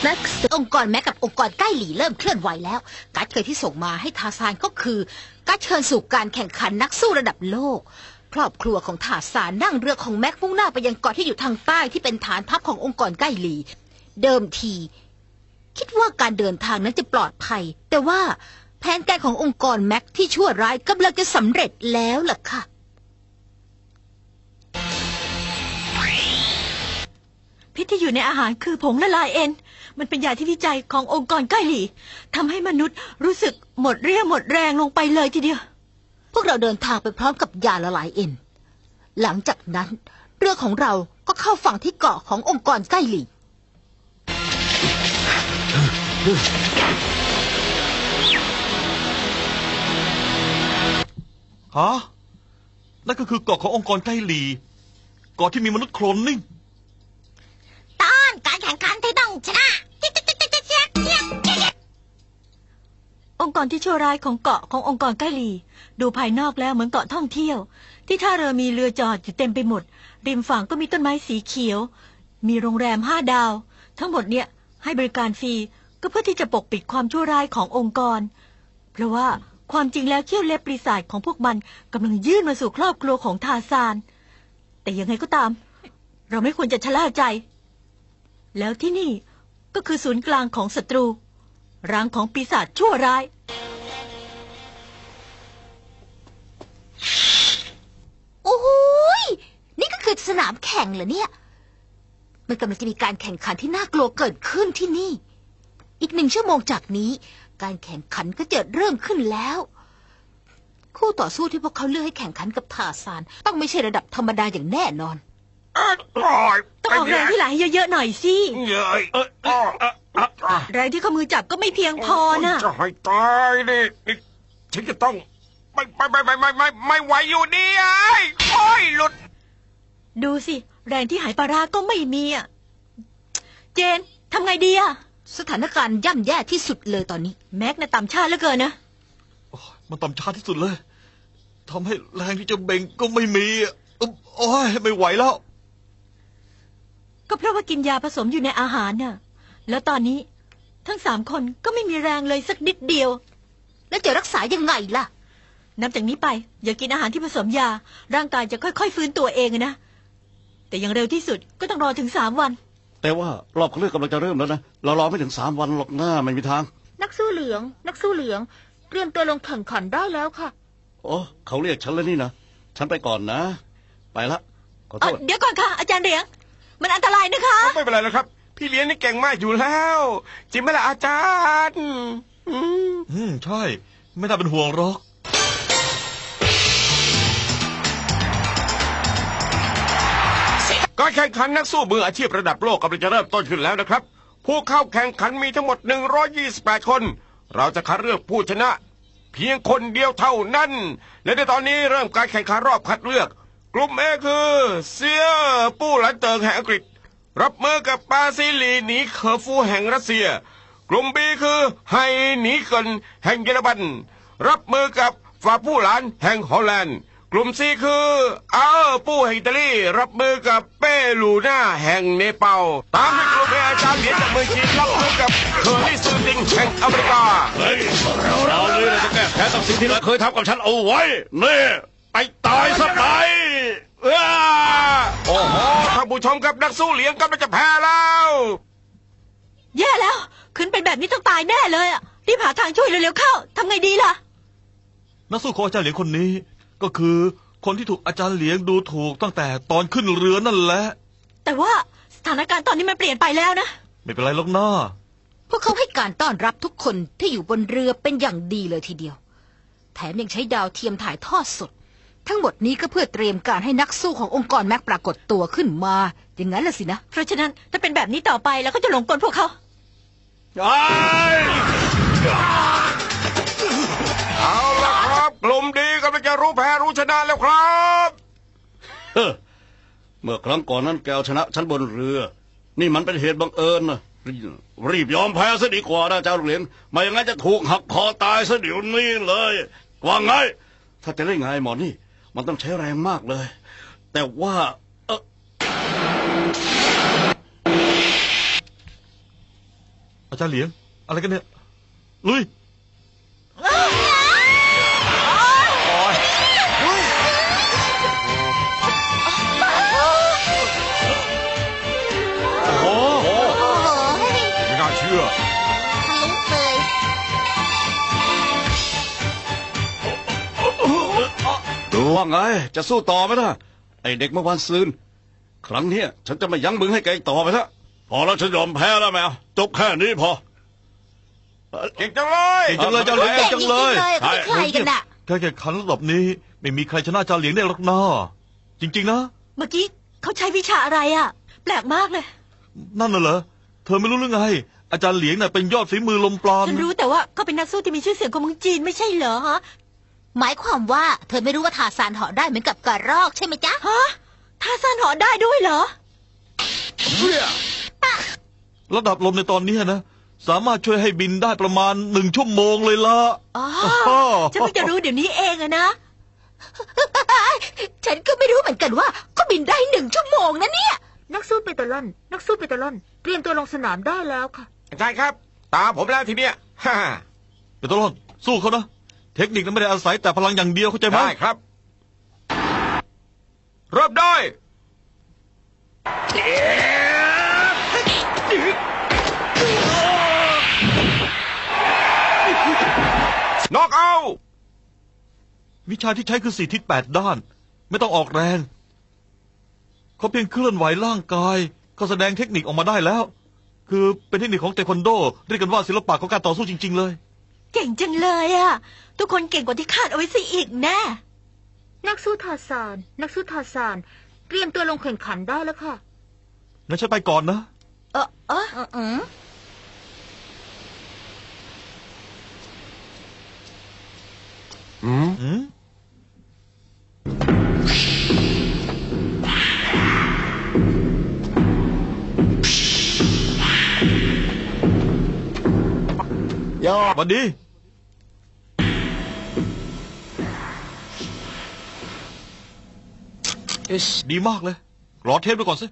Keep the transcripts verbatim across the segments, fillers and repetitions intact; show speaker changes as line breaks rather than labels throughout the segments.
แม็กซ์องค์กรแม็กกับองค์กรใกล้หลีเริ่มเคลื่อนไหวแล้วการ์ดเคยที่ส่งมาให้ทาซานก็คือการเชิญสู่การแข่งขันนักสู้ระดับโลกครอบครัวของทาซานนั่งเรือของแม็กมุ่งหน้าไปยังเกาะที่อยู่ทางใต้ที่เป็นฐานทัพขององค์กรใกล้หลีเดิมทีคิดว่าการเดินทางนั้นจะปลอดภัยแต่ว่าแผนการขององค์กรแม็กที่ชั่วร้ายกำลังจะสำเร็จแล้วล่ะค่ะ
พิษที่อยู่ในอาหารคือผงละลายเอ็นมันเป็นยาที่วิจัยขององค์กรใกล้หลีทำให้มนุษย์รู้สึกหมดเรี่ยวหมดแรงลงไปเลยทีเดียว
พวกเราเดินทางไปพร้อมกับยาละลายเอ็นหลังจากนั้นเรือของเราก็เข้าฝั่งที่เกาะขององค์กรใกล้หลี
ฮะนั่นก็คือเกาะขององค์กรใกล้หลีเกาะที่มีมนุษย์โคลนนิ่ง
ต้านการแข่งขันที่ต้องชนะ
องค์กรที่ชั่วร้ายของเกาะขององค์กรใกล้หลีดูภายนอกแล้วเหมือนเกาะท่องเที่ยวที่ท่าเรือมีเรือจอดอยู่เต็มไปหมดริมฝั่งก็มีต้นไม้สีเขียวมีโรงแรมห้าดาวทั้งหมดเนี่ยให้บริการฟรีก็เพื่อที่จะปกปิดความชั่วร้ายขององค์กรเพราะว่าความจริงแล้วเขี้ยวเล็บปีศาจของพวกมันกำลังยื่นมาสู่ครอบครัวของทาซานแต่ยังไงก็ตามเราไม่ควรจะชะล่าใจแล้วที่นี่ก็คือศูนย์กลางของศัตรูรังของปีศาจชั่วร้าย
โอ้ยนี่ก็คือสนามแข่งเหรอเนี่ยมันกำลังจะมีการแข่งขันที่น่ากลัวเกิดขึ้นที่นี่อีกหนึ่งชั่วโมงจากนี้การแข่งขันก็จะเริ่มขึ้นแล้วคู่ต่อสู้ที่พวกเขาเลือกให้แข่งขันกับทาซานต้องไม่ใช่ระดับธรรมดาอย่างแน่นอน
ต้องออกแรงที่ไหลเยอะๆหน่อยสิแรงที่ข้อมือจับก็ไม่เพียงพอนะ
จะให้ตายนี่ฉันจะต้องไม่ไม่ไม่ไม่ไม่ไม่ไม่ไหวอยู่ดีไอ้โอ้ยหลุด
ดูสิแรงที่หายปลาร้าก็ไม่มีอ่ะเจนทำไงดีอ่ะ
สถานการณ์ย่ำแย่ที่สุดเลยตอนนี้
แม็กน่ะต่ำชาเหลือเกินนะ
มันต่ำชาที่สุดเลยทำให้แรงที่จะเบ่งก็ไม่มีโอ้ยไม่ไหวแล้ว
ก็เพราะว่ากินยาผสมอยู่ในอาหารน่ะแล้วตอนนี้ทั้งสามคนก็ไม่มีแรงเลยสักนิดเดียว
แล้วจะรักษายังไงล่ะ
นับจากนี้ไปอย่ากินอาหารที่ผสมยาร่างกายจะค่อยๆฟื้นตัวเองนะแต่อย่างเร็วที่สุดก็ต้องรอถึงสามวัน
แต่ว่ารอบคัดเลือกกำลังจะเริ่มแล้วนะเรารอไม่ถึงสามวันหรอกหน้าไม่มีทาง
นักสู้เหลืองนักสู้เหลืองเตรียมตัวลงแข่งขันได้แล้วค่ะ
โอ้เขาเรียกฉันแล้วนี่นะฉันไปก่อนนะไปละขอโทษ
เดี๋ยวก่อนค่ะอาจารย์เหลียงมันอันตรายนะคะ
ไม่เป็นไรแล้วครับพี่เลี้ยงนี่เก่งมากอยู่แล้วจริงไหมล่ะอาจารย์
อืมอืมใช่ไม่น่าเป็นห่วงหรอก
การแข่งขันนักสู้มืออาชีพระดับโลกกำลังจะเริ่มต้นขึ้นแล้วนะครับผู้เข้าแข่งขันมีทั้งหมดหนึ่งร้อยยี่สิบแปดคนเราจะคัดเลือกผู้ชนะเพียงคนเดียวเท่านั้นและในตอนนี้เริ่มการแข่งขันรอบคัดเลือกกลุ่ม A คือเซียปู้หลันเติงแห่งอังกฤษรับมือกับปาซิลีหนีเคอร์ฟูแห่งรัสเซียกลุ่ม B คือไฮหนีเกินแห่งเยอรมันรับมือกับฟาผู้หลานแห่งฮอลแลนด์กลุ่ม C คืออาร์ปู้แห่งอิตาลีรับมือกับเปรูน่าแห่งเนปาลตามด้วยกลุ่ม A อาจารย์เหรียญจากเมืองจีนรับมือกับเคอร์รี่ซูติงแห่งอเมริกา
เฮ้ยเราเราเลยจะแก้แค้นกับสิ่งที่เราเคยทำกับฉันเอาไว้นี่ไปตายซะไป
โอ้โหท่านผู้ชมกับนักสู้เหลียงกำลังจะแพ้แล้ว
แย่แล้วขึ้นเป็นแบบนี้ต้องตายแน่เลยอ่ะรีบหาทางช่วยเร็วๆเข้าทำไงดีล่ะ
นักสู้ของอาจารย์เหลียงคนนี้ก็คือคนที่ถูกอาจารย์เหลียงดูถูกตั้งแต่ตอนขึ้นเรือนั่นแหละ
แต่ว่าสถานการณ์ตอนนี้มันเปลี่ยนไปแล้วนะ
ไม่เป็นไรหรอกนะ
พวกเขาให้การต้อนรับทุกคนที่อยู่บนเรือเป็นอย่างดีเลยทีเดียวแถมยังใช้ดาวเทียมถ่ายทอดสดทั้งหมดนี้ก็เพื่อเตรียมการให้นักสู้ขององค์กรแม็กปรากฏตัวขึ้นมาอย่างนั้นล่ะสินะ
เพราะฉะนั้นถ้าเป็นแบบนี้ต่อไปเราก็จะหลงกลพวกเขา
เอาละครับกลุ่มดีกำลังจะรู้แพ้รู้ชนะแล้วครับ
เมื่อครั้งก่อนนั้นแกเอาชนะฉันบนเรือนี่มันเป็นเหตุบังเอิญนะรีบยอมแพ้ซะดีกว่านะเจ้าเหรียญไม่อย่างนั้นจะถูกหักคอตายซะเดี๋ยวนี้เลยว่าไงถ้าจะได้ไงหมอนี่มันต้องใช้แรงมากเลยแต่ว่าเออ
อาจารย์เหลียงอะไรกันเนี่ยลุยโอ้โห
โอ้โห ไม่น่าเชื่อ
ทะลุเลย
ดูว่าไง จะสู้ต่อไหมล่ะไอเด็กเมื่อวานซืนครั้งเนี้ยฉันจะไม่ยั้งมึงให้แกอีกต่อไปละพอแล้วฉันยอมแพ้แล้วแมวจบแค่นี้พอ
เก่งจังเลย
เก่งจังเลยอาจารย์เหลียงเก่งจังเลย
เขาเป็นใครกันน่ะ
การแข่งขันระดับนี้ไม่มีใครชนะอาจารย์เหลียงได้หรอกนะจริงๆนะ
เมื่อกี้เขาใช้วิชาอะไรอ่ะ แปลกมากเลย
นั่นน่ะเหรอเธอไม่รู้หรือไง อาจารย์เหลียงน่ะเป็นยอดฝีมือลมปราณ
ฉันรู้แต่ว่าเขาเป็นนักสู้ที่มีชื่อเสียงของเมืองจีนไม่ใช่เหรอฮะ
หมายความว่าเธอไม่รู้ว่าทาซานเหาะได้เหมือนกับกระรอกใช่ไหมจ๊ะ
ฮะท่าซ่านเหาะได้ด้วยเหรอ
ระดับลมในตอนนี้นะสามารถช่วยให้บินได้ประมาณหนึ่งชั่วโมงเลยล่ะ
อ๋อ
อ๋อ
ฉันเพิ่งจะรู้เดี๋ยวนี้เองอะนะ
ฉันก็ไม่รู้เหมือนกันว่าก็บินได้หนึ่งชั่วโมงนะเนี่ย
นักสู้เปตาลอน นักสู้เปตาลอน เตรียมตัวลงสนามได้แล้วค่ะ
อาจารย์ครับ ตามผมแล้วทีเนี้ย ฮ่า
เดี๋ยวตลอดสู้เขานะเทคนิคนั้นไม่ได้อาศัยแต่พลังอย่างเดียวเข้าใจไหม
ได้ครับ เริ่มได้น็อกเอา
วิชาที่ใช้คือสี่ทิศแปดด้าน ไม่ต้องออกแรงเขาเพียงเคลื่อนไหวร่างกายก็แสดงเทคนิคออกมาได้แล้ว คือเป็นเทคนิคของเทควันโดเรียกกันว่าศิลปะของการต่อสู้จริง ๆ เลย
เก่งจังเลยอะทุกคนเก่งกว่าที่คาดเอาไว้ซะอีกแน่
นักสู้ทาซาน นักสู้ทาซาน เตรียมตัวลงแข่งขันได้แล้วค่ะ
งั้นฉันไปก่อนนะ
เออเออ
อืม
อืม
อืม สวัสดี ดีมากเลย รอเทปไปก่อนสิ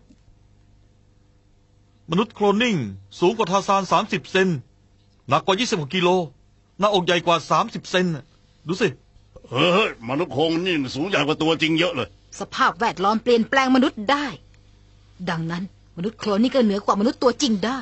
มนุษย์โคลนนิ่ง สูงกว่าทาซานสามสิบเซน หนักกว่ายี่สิบหกกิโล หน้าอกใหญ่กว่าสามสิบเซนน่ะดูสิ
เฮ้ยมนุษย์โคงนี่สูงใหญ่กว่าตัวจริงเยอะเลย
สภาพแวดล้อมเปลี่ยนแปลงมนุษย์ได้ ดังนั้นมนุษย์โคลนนี่ก็เหนือกว่ามนุษย์ตัวจริงได้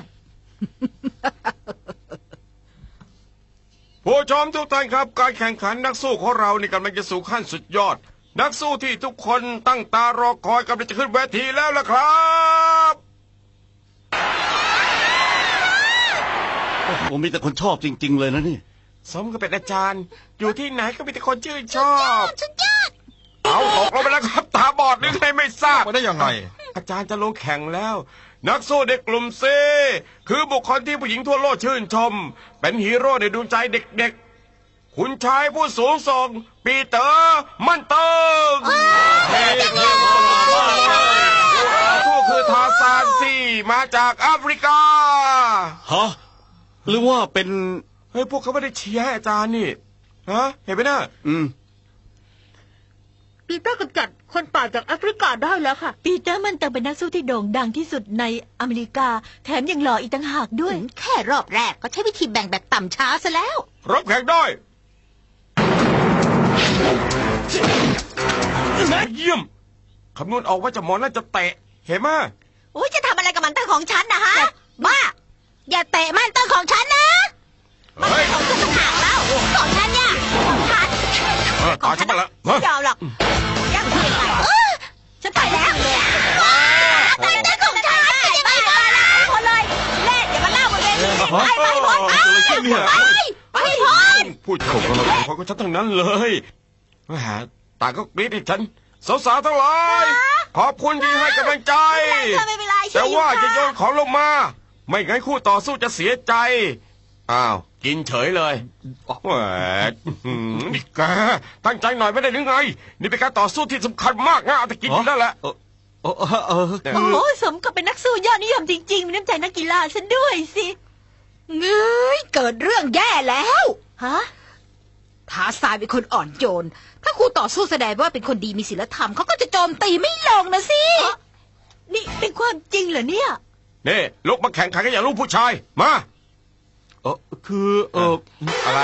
ผู้ชมทุกท่านครับ การแข่งขันนักสู้ของเรานี่กำลังจะสู่ขั้นสุดยอด นักสู้ที่ทุกคนตั้งตารอคอยกำลังจะขึ้นเวทีแล้วล่ะครับ
โอ้โหมีแต่คนชอบจริง ๆ เลยนะนี่
สมกับเป็นอาจารย์ อยู่ที่ไหนก็มีแต่คนชื่นชอบ
สุดยอด
เอาตกลงไปแล้วครับ ตาบอดหรือไงไม่ทราบ
ไปได้ยังไง
อาจารย์จะลงแข่งแล้ว นักสู้เด็กกลุ่มเซคือบุคคลที่ผู้หญิงทั่วโลกชื่นชม เป็นฮีโร่ในดวงใจเด็กๆ คุณชายผู้สูงส่ง ปีเตอร์มันเติงผู้คือทาซานซี่มาจากแอฟริกา
ฮะ หรือว่าเป็น
เฮ้ยพวกเขาไม่ได้เชียร์ให้อาจารย์นี่ฮะเห็นไหมนะ
อืม
ปีเตอร์กำจัดคนป่าจากแอฟริกาได้แล้วค่ะ
ปีเตอร์มันเติงเป็นนักสู้ที่โด่งดังที่สุดในอเมริกา แถมยังหล่ออีกต่างหากด้วย
แค่รอบแรกก็ใช้วิธีแบ่งแบบต่ำช้าซะแล้ว
รับแข่งได้เยี่ยมคำนวณออกว่าจะหมอน่าจะเตะเห็นไหม
โอ้ยจะทำอะไรกับมันเตอร์ของฉันนะฮะ บ้า
อย่าเตะมันต้นของฉันนะ
เฮ้ย
ของฉันต่างหากแล้วของฉันเนี่ยของฉัน
เออตายฉันมาแล้ว
ไม่ยอมหรอกยังไม่ไปฉันไปแล้วเตอร์เตอร์ของฉันไปหมดแล้วหมดเลยเล่นอย่ามาเล่าบนเวทีไปไปหมดไปไปหมด
พูดถูกแล้วของของฉันทั้งนั้นเลยแหมต่างก็กรี๊ดให้ฉันสาวๆทั้งหลายขอบคุณที่ให้กำลังใจ
เธอไม่เป็นไร
แต่ว่าจะโยนของลงมา ไม่งั้นคู่ต่อสู้จะเสียใจ อ้าว กินเฉยเลยแหมนี่แกตั้งใจหน่อยไม่ได้หรือไง นี่เป็นการต่อสู้ที่สำคัญมากนะเอาแต่กินอยู่นั่นแหละ
เออเออเออ
โอ้โหสมกับเป็นนักสู้ยอดนิยมจริงๆมีน้ำใจนักกีฬาฉันด้วยสิ
เงยเกิดเรื่องแย่แล้ว
ฮะ
ทาซานเป็นคนอ่อนโยน ถ้าคู่ต่อสู้แสดงว่าเป็นคนดีมีศีลธรรมเขาก็จะโจมตีไม่ลงนะสิ
นี่เป็นความจริงเหรอเนี่ย
นี่ลุกมาแข่งขันกันอย่างลูกผู้ชาย มา
เออคือเออ
อะไร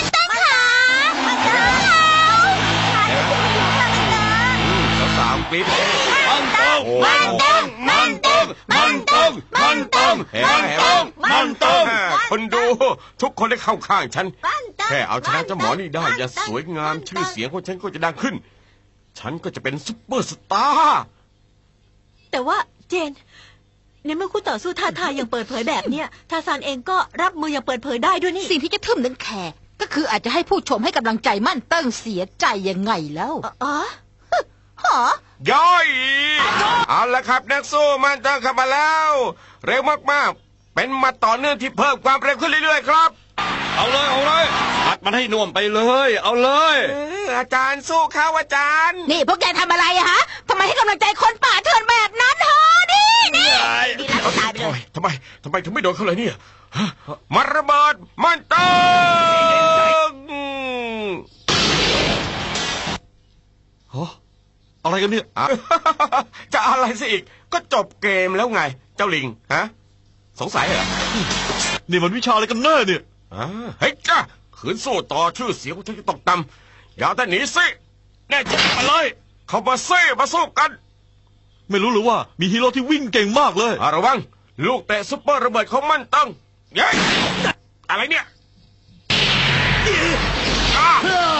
สาวๆกรี๊ด
มันต้องมันต้องมันต้องมันต้องมันต้อง
เห็นไหม
มันต้อง
คนดูทุกคนได้เข้าข้างฉัน แค่เอาชนะเจ้าหมอนี่ได้อย่าสวยงามชื่อเสียงของฉันก็จะดังขึ้น ฉันก็จะเป็นซุปเปอร์สตาร์
แต่ว่าเจนในเมื่อคู่ต่อสู้ท้าทายอย่างเปิดเผยแบบเนี้ยทาซานเองก็รับมืออย่างเปิดเผยได้ด้วยนี่
สิ่งที่จะทึ่มนั้นแค่ก็คืออาจจะให้ผู้ชมให้กำลังใจมั่นเติ้งเสียใจยังไงแล้ว
อ๋อ
หอ
ย่อยเอาละครับนักสู้มันตั้งเข้ามาแล้ว เร็วมากๆ เป็นมาต่อเนื่องที่เพิ่มความเร็วขึ้นเรื่อยๆครับ
เอาเลยเอาเลยอัดมันให้น่วมไปเลย เอาเลย
เอออาจารย์สู้เขาอาจารย์
นี่พวกแกทำอะไรอะฮะทำไมให้กำลังใจคนป่าเถื่อนแบบนั้นฮะนี่นี่
ดีแล้วก็ตายไปเลย
ทำไมทำไมถึงไม่โดนเขาเลยเนี่ยฮะมันระเบิดมันตึง
ฮะอะไรกันเนี่ย
อ่ะ จะอะไรซะอีกก็จบเกมแล้วไง เจ้าลิงฮะสงสัยเหรอ
นี่มันวิชาอะไรกันแน่เนี่ย
อ่าเฮ้ยจ้าขืนสู้ต่อชื่อเสียงของฉันจะตกต่ำอย่าแต่หนีสิแน่จริงมาเลย เข้ามาเซ่มาสู้กัน
ไม่รู้หรือว่ามีฮีโร่ที่วิ่งเก่งมากเลย
อ่ะระวัง ลูกเตะซุปเปอร์ระเบิดของมันตั้งเย้ยอะไรเนี่ยอ่ะ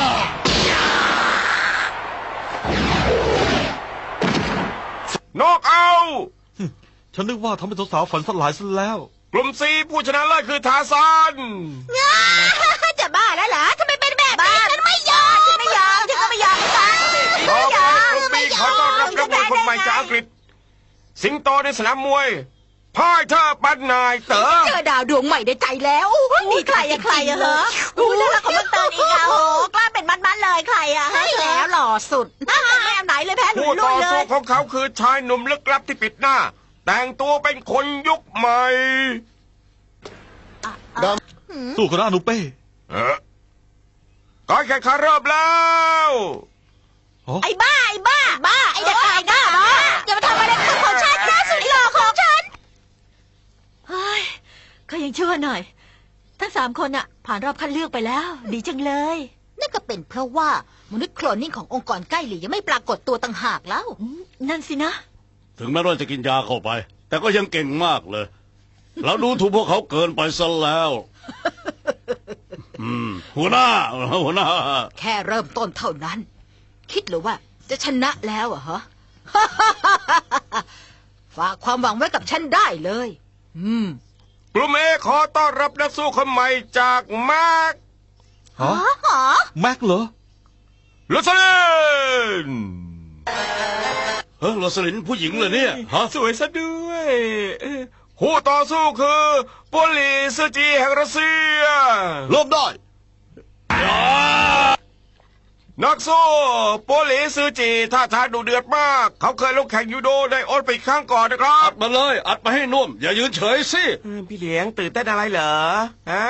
นอกเอา
ฉันนึกว่าทำให้สาวๆฝันสลายซะแล้ว
กลุ่มซีผู้ชนะเลิศคือทาซาน
จะบ้าแล้วเหรอทำไมเป็นแบบนี้ฉันไม่ยอมฉันไม่ยอมฉันก็ไม่ยอมกัน
ขอเป็นกลุ่มบีขอต้อนรับนักมวยคนใหม่จากอังกฤษ สิงโตในสนามมวยพ่ายเธอปันนายเต๋อ
เจอดาวดวงใหม่ในใจแล้ว
มีใครอะใครอะเหรอดูแล้วของมันเตินอีกอะโหกล้าเป็นมันๆเลยใครอะ
ใช่แล้วหล่อสุด
ไม่เอาไหนเลยแพ้หลุ
ผู้
ยลุ
ต่
ย
อ
เล
สู้
ย
ของเขาคือชายหนุ่มลึกลับที่ปิดหน้า แต่งตัวเป็นคนยุคใหม่
สู้กับอนุเป้
เออการแข่งขันเริ่มแล้ว
ฮะ
ไอ้บ้าไอ้บ้า
บ้าไอ้เด็กไอ้หน้าบ้าอย่ามาทำอะไรกับของฉันนะสุดหล่อของฉัน
เฮ้ยก็ยังชั่วหน่อย ทั้งสามคนอะผ่านรอบคัดเลือกไปแล้ว ดีจังเลย
นั่นก็เป็นเพราะว่ามนุษย์โคลนนิ่งขององค์กรใกล้หลียังไม่ปรากฏตัวต่างหากแล้ว
อืมนั่นสินะ
ถึงแม้ว่าจะกินยาเข้าไป แต่ก็ยังเก่งมากเลย เราดูถูกพวกเขาเกินไปซะแล้ว อืมหัวหน้าหัวหน้า
แค่เริ่มต้นเท่านั้น คิดหรือว่าจะชนะแล้วอะฮะ ฝากความหวังไว้กับฉันได้เลย อืม
กลุ่มเอขอต้อนรับนักสู้คนใหม่จากมาร์ค
ฮะแม็กเหรอ
ลุสลิน
เฮ้ยโรสลินผู้หญิงเลยเนี่ยฮะ
สวยซะด้วยผู้ต่อสู้คือโปลีสจีแห่งรัสเซีย
เริ่มได้
นักสู้โปลีซือจีท่าทางดุเดือดมาก เขาเคยลงแข่งยูโดในโอลิมปิกครั้งก่อนนะครั
อั
บ
ดมาเลย อัดมาให้น่วม อย่ายืนเฉยสิ
พี่เลี้ยงตื่นเต้นอะไรเหรอฮะ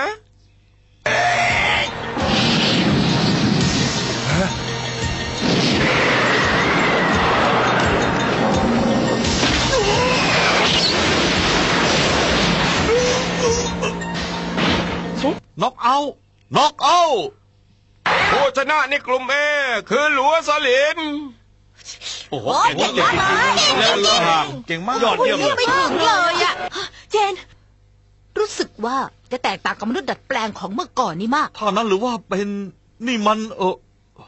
น็อกเอาท์น็อกเอาท์
ผู้ชนะในกลุ่มเอคือหลัวสลิน
โอ้โหเก่งมากเลยแล้วเรือห่าง
เก่งมาก
ยอดเยี่ยมเลย
ไม่ถึงเลยอะ
เจน
รู้สึกว่าจะแตกต่างกับมนุษย์ดัดแปลงของเมื่อก่อนนี่มาก
ถ้านั้นหรือว่าเป็นนี่มันเออ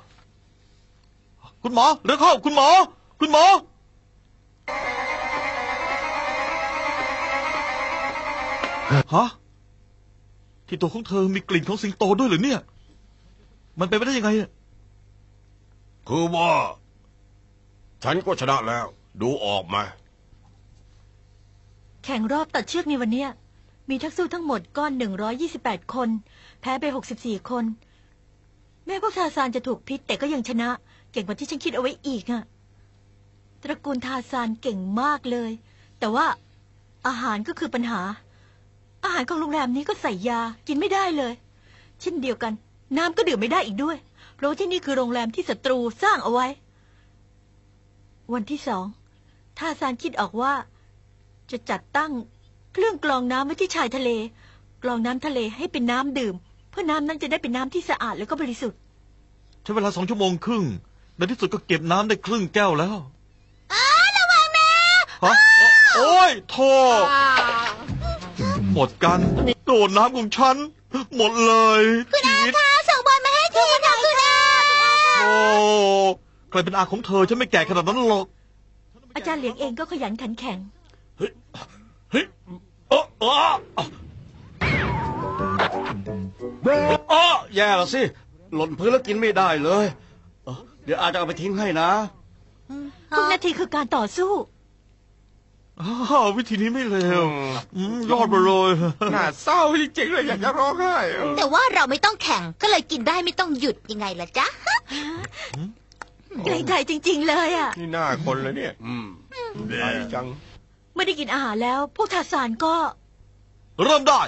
คุณหมอเร็วเข้าคุณหมอ คุณหมอ ฮะ ที่ตัวของเธอมีกลิ่นของสิงโตด้วยเหรือเนี่ย มันเป็นไปได้ยังไงอะ
คือว่า ฉันก็ชนะแล้ว ดูออกไหมา
แข่งรอบตัดเชือกในวันเนี้ยมีทักสู้ทั้งหมดก้อนหนึ่งร้อยยี่สิบแปดคน แพ้ไปหกสิบสี่คน แม้พวกทาซานจะถูกพิษแต่ก็ยังชนะ เก่งกว่าที่ฉันคิดเอาไว้อีกอะตระกูลทาซานเก่งมากเลย แต่ว่าอาหารก็คือปัญหา อาหารของโรงแรมนี้ก็ใส่ยากินไม่ได้เลย เช่นเดียวกัน น้ำก็ดื่มไม่ได้อีกด้วย เพราะว่าที่นี่คือโรงแรมที่ศัตรูสร้างเอาไว้ วันที่สองทาซานคิดออกว่า จะจัดตั้งเครื่องกรองน้ำไว้ที่ชายทะเลกรองน้ำทะเลให้เป็นน้ำดื่ม เพื่อน้ำนั้นจะได้เป็นน้ำที่สะอาดแล้วก็บริสุทธิ์
ใช้เวลาสองชั่วโมงครึ่งในที่สุดก็เก็บน้ำได้ครึ่งแก้วแล้ว
อ้าระวังนะ
ฮะโอ้ยโทษหมดกันโดนน้ำของฉัน หมดเลยชีวิต
อาส่งบอลมาให้ทีนะคุณอา
โอ้ใครเป็นอาของเธอฉันไม่แก่ขนาดนั้นหรอก
อาจารย์เหลียงเองก็ขยันขันแข็ง
เฮ้ยเฮ้ยเออเออเออแย่ละสิหล่นพื้นแล้วกินไม่ได้เลยเออเดี๋ยวอาจจะเอาไปทิ้งให้นะ
ทุกนาทีคือการต่อสู้
อ้าววิธีนี้ไม่เลวอืมยอดไปเลย
น่าเศร้าจริงๆเลยอยากจะร้องไห้
แต่ว่าเราไม่ต้องแข่งก็เลยกินได้ไม่ต้องหยุดยังไงล่ะจ๊ะ
เกรงใจจริง ๆ เลยอ่ะ
นี่หน้าคนเลยเนี่ย
อืม
ไอ้จัง
เมื่อได้กินอาหารแล้ว พวกทาสานก็
เริ่มได้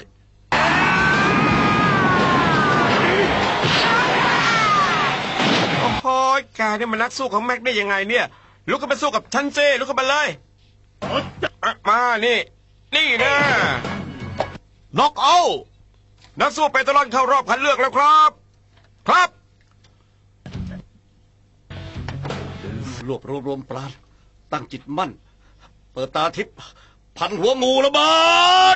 โอ้โหแกนี่มันนักสู้ของแม็กได้ยังไงเนี่ยลุกขึ้นมาสู้กับฉันเจ้ลุกขึ้นมาเลยอ่ะมานี่ นี่นะ
น็อกเอา
นักสู้เปตลอนเข้ารอบคัดเลือกแล้วครับ ครับ
รวบรวมรวมปราณตั้งจิตมั่น เปิดตาทิพย์พันหัวงูระเบิด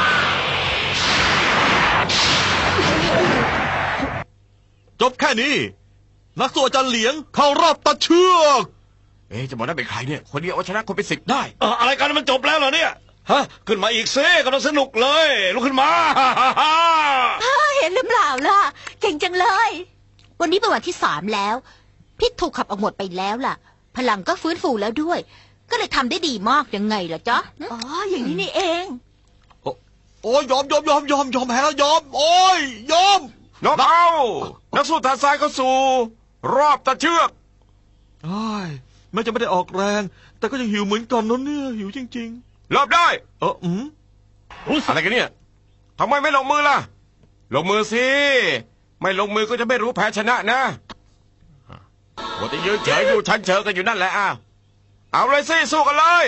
จบแค่นี้ นักสู้อาจารย์เหลียงเข้ารอบตัดเชือก
เอ๊ะจะบอกได้เป็นใครเนี่ยคนเดียวเอาชนะคนเป็นสิบได้
เอ่ออะไรกันมันจบแล้วเหรอเนี่ยฮะขึ้นมาอีกซิกำลังสนุกเลยลุกขึ้นมา
เห็นหรือเปล่าล่ะ เก่งจังเลย
วันนี้เป็นวันที่สามแล้ว พิษถูกขับออกหมดไปแล้วล่ะ พลังก็ฟื้นฟูแล้วด้วย ก็เลยทำได้ดีมากยังไงล่ะจ๊ะ
อ๋อ อย่างนี้นี่เอง
โอ้ยยอมยอมยอมยอมยอมแพ้แล้วยอม โอ้ยยอม
น็อกเอาท์นักสู้ทางซ้ายเข้าสู่ รอบตัดเชือก
ไอ้ยแม้จะไม่ได้ออกแรง แต่ก็ยังหิวเหมือนกันนะเนี่ยหิวจริง
รอบได้
ๆ เอออืม
อะไรกันเนี่ยทำไมไม่ลงมือล่ะ ลงมือสิ ไม่ลงมือก็จะไม่รู้แพ้ชนะนะวัวแต่ยืนเฉยอยู่ชั้นเฉยกันอยู่นั่นแหละอ้าวเอาเลยสิสู้กันเลย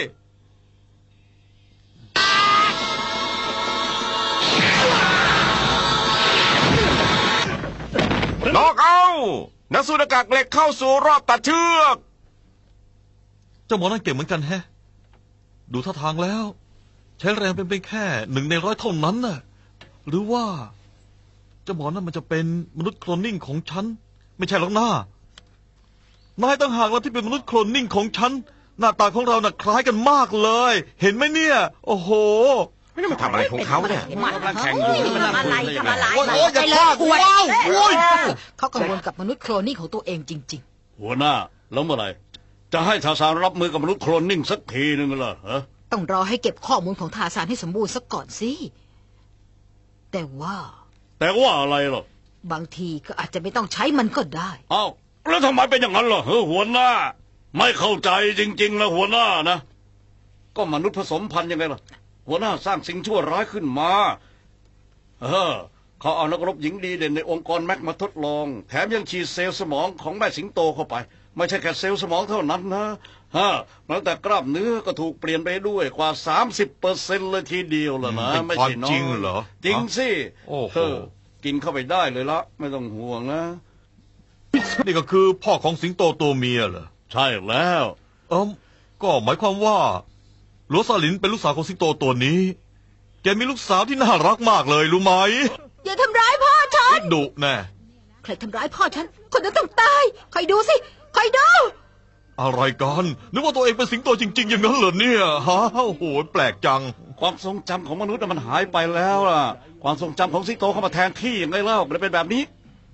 น็อกเอาท์นักสู้หน้ากากเหล็กเข้าสู่รอบตัดเชือก
เจ้าหมอนั่นเก่งเหมือนกันแฮะ ดูท่าทางแล้ว ใช้แรงเป็นเพียงแค่หนึ่งในร้อยเท่านั้นน่ะ หรือว่าเจ้าหมอนั่นมันจะเป็นมนุษย์โคลนนิ่งของฉัน ไม่ใช่หรอกหน้านายต่างหากแล้วที่เป็นมนุษย์โคลนนิ่งของฉัน หน้าตาของเราน่ะคล้ายกันมากเลย เห็นไหมเนี่ย โอ้โห
ไม่ได้มาทำอะไรของเขาเนี่ย
กำลังแข่งอยู่นี่มัน
ทำอะไรทำอะไร
โอ้ยโอ้ยอย่าพลาดว้าวโอ้ย
เขากังวลกับมนุษย์โคลนนิ่งของตัวเองจริง
หัวหน้าแล้วเมื่อไหร่จะให้ทาสานรับมือกับมนุษย์โคลนนิ่งสักทีหนึ่งเหรอฮะ
ๆ ต้องรอให้เก็บข้อมูลของทาสานให้สมบูรณ์ซะก่อนสิ แต่ว่า
แต่ว่าอะไรหรอบ
างทีก็อาจจะไม่ต้องใช้มันก็ได้
เอ้าแล้วทำไมเป็นอย่างนั้นล่ะเฮ้อหัวหน้า ไม่เข้าใจจริงๆนะหัวหน้านะก็มนุษย์ผสมพันธุ์ยังไงล่ะหัวหน้าสร้างสิ่งชั่วร้ายขึ้นมาเออเขาเอานักรบหญิงดีเด่นในองค์กรแม็กมาทดลองแถมยังฉีดเซลล์สมองของแม่สิงโตเข้าไปไม่ใช่แค่เซลล์สมองเท่านั้นนะฮะแม้แต่กล้ามเนื้อก็ถูกเปลี่ยนไปด้วยกว่าสามสิบเปอร์เซ็นต์เลยทีเดียวล่ะนะ
เป็น
ไม่
ความ
ใช่น้อย
จริงเหรอ
จริงสิ
โอ้โห
เออกินเข้าไปได้เลยละไม่ต้องห่วงนะ
นี่ก็คือพ่อของสิงโตตัวเมียเหรอ
ใช่แล้ว
เออก็หมายความว่าหลวงซาลินเป็นลูกสาวของสิงโตตัวนี้ แกมีลูกสาวที่น่ารักมากเลยรู้ไหม
อย่าทำร้ายพ่อฉัน
ดุแน่
ใครทำร้ายพ่อฉัน คนนั้นต้องตายคอยดูสิคอยดู
อะไรกันนึกว่าตัวเองเป็นสิงโตจริง ๆ อย่างนั้นเหรอเนี่ยฮะโอ้โหแปลกจัง
ความทรงจำของมนุษย์น่ะมันหายไปแล้วล่ะ ความทรงจำของสิงโตเข้ามาแทนที่ยังไงเล่าเลยเป็นแบบนี้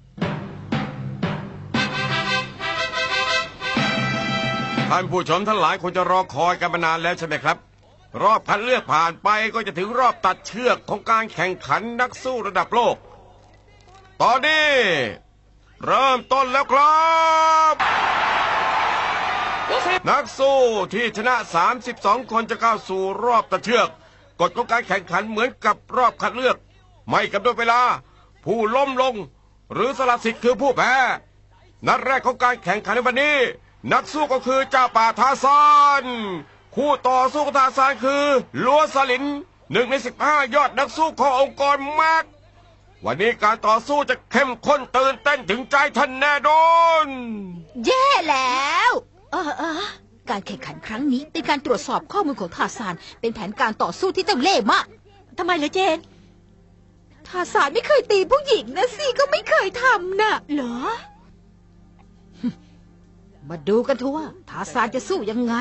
ท่านผู้ชมทั้งหลายคงจะรอคอยกันมานานแล้วใช่ไหมครับ รอบคัดเลือกผ่านไปก็จะถึงรอบตัดเชือกของการแข่งขันนักสู้ระดับโลก ตอนนี้ เริ่มต้นแล้วครับ นักสู้ที่ชนะสามสิบสองคนจะเข้าสู่รอบตัดเชือกกฎของการแข่งขันเหมือนกับรอบคัดเลือก ไม่กำหนดเวลา ผู้ล้มลง หรือสละสิทธิ์คือผู้แพ้นัดแรกของการแข่งขันในวันนี้ นักสู้ก็คือเจ้าป่าทาซานคู่ต่อสู้ของทาซานคือลัวซาลินหนึ่งในสิบห้ายอดนักสู้ขององค์กรแม็กวันนี้การต่อสู้จะเข้มข้นตื่นเต้นถึงใจท่านแน่นอน
แย่แล้ว เออเออการแข่งขันครั้งนี้เป็นการตรวจสอบข้อมูลของทาซานเป็นแผนการต่อสู้ที่เจ้าเล่ห์มาก
ทำไมเหรอเจน
ทาซานไม่เคยตีผู้หญิงนะสิก็ไม่เคยทำน่ะ
เหรอ
มาดูกันทัวร์ทาซานจะสู้ยังไง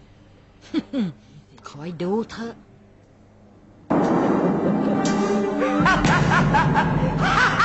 คอยดูเถอะ